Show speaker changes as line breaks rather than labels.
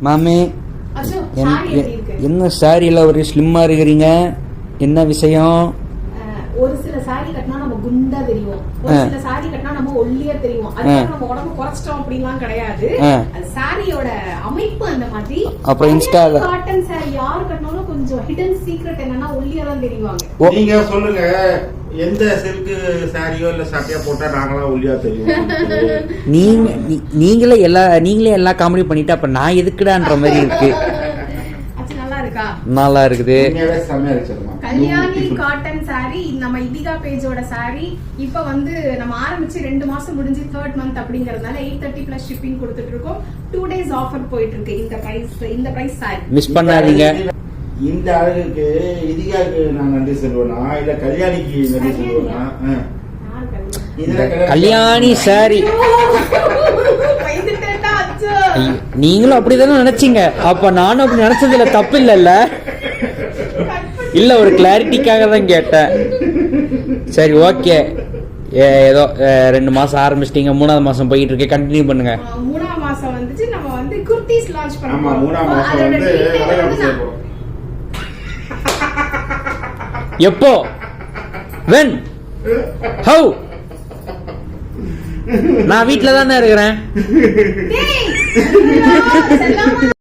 மாமே என்ன சாரியில் ஒரு ஸ்லிம்மாக இருக்கிறீங்க, என்ன விஷயம்?
ஒரு சில சாரி கட்டினா நம்ம குண்டா தெரியும், ஒரு சில சாரி கட்டினா நம்ம ஒல்லியா தெரியும். அதுக்கு நம்ம உடம்பு குறைச்சிட்டோம் அப்படின்லாம் கிடையாது. அது சாரியோட அமைப்பு அந்த மாதிரி.
அப்புறம் இன்ஸ்டால
காட்டன் சாரி யார் கட்டினாலும் கொஞ்சம் ஹிடன் சீக்ரெட் என்னன்னா ஒல்லியா தான் தெரிவாங்க.
நீங்க சொல்லுங்க, எந்த சில்க் சாரியோ இல்ல சட்டையா போட்டா நாங்களாம் ஒல்லியா தெரியும்?
நீங்களே எல்லா காமெடி பண்ணிட்டு அப்ப நான் எதுக்குடான்ற மாதிரி இருக்கு. நல்லா இருக்குது.
கல்யாணி காட்டன் சாரி நம்ம இதிகா பேஜோட சாரி. இப்ப வந்து நம்ம ஆரம்பிச்சு 2 மாசம் முடிஞ்சு 3rd month அப்படிங்கறதுனால 830 plus shipping கொடுத்துட்டு இருக்கோம். 2 days ஆஃபர் போயிட்டு இருக்கு. இந்த பிரைஸ் சாரி
மிஸ் பண்ணாதீங்க.
இந்த அழகுக்கு இதிகாக்கு நான் நன்றி சொல்லுவேனா இல்ல கல்யாணிக்கு நன்றி சொல்லுவேனா?
கல்யாணி சாரி நீங்களும் அப்படிதானே நினைச்சீங்க. அப்ப நானும் அப்படி நினைச்சதுல தப்பு இல்ல. இல்ல ஒரு கிளாரிட்டிக்காக தான் கேட்டேன். சரி ஓகே, ஏதோ 2 மாசம் ஆரம்பிச்சிட்டீங்க, 3ஆவது மாசம் போயிட்டு இருக்கு, கண்டினியூ பண்ணுங்க.
3ஆம் மாசம் வந்துச்சு நம்ம வந்து குர்தீஸ் லான்ச் பண்ணோம்.
ஆமா 3ஆம் மாசம் வந்து வளைகாப்பு செய்வோம்.
எப்போ? when how? நான் வீட்ல தானே இருக்கிறேன்.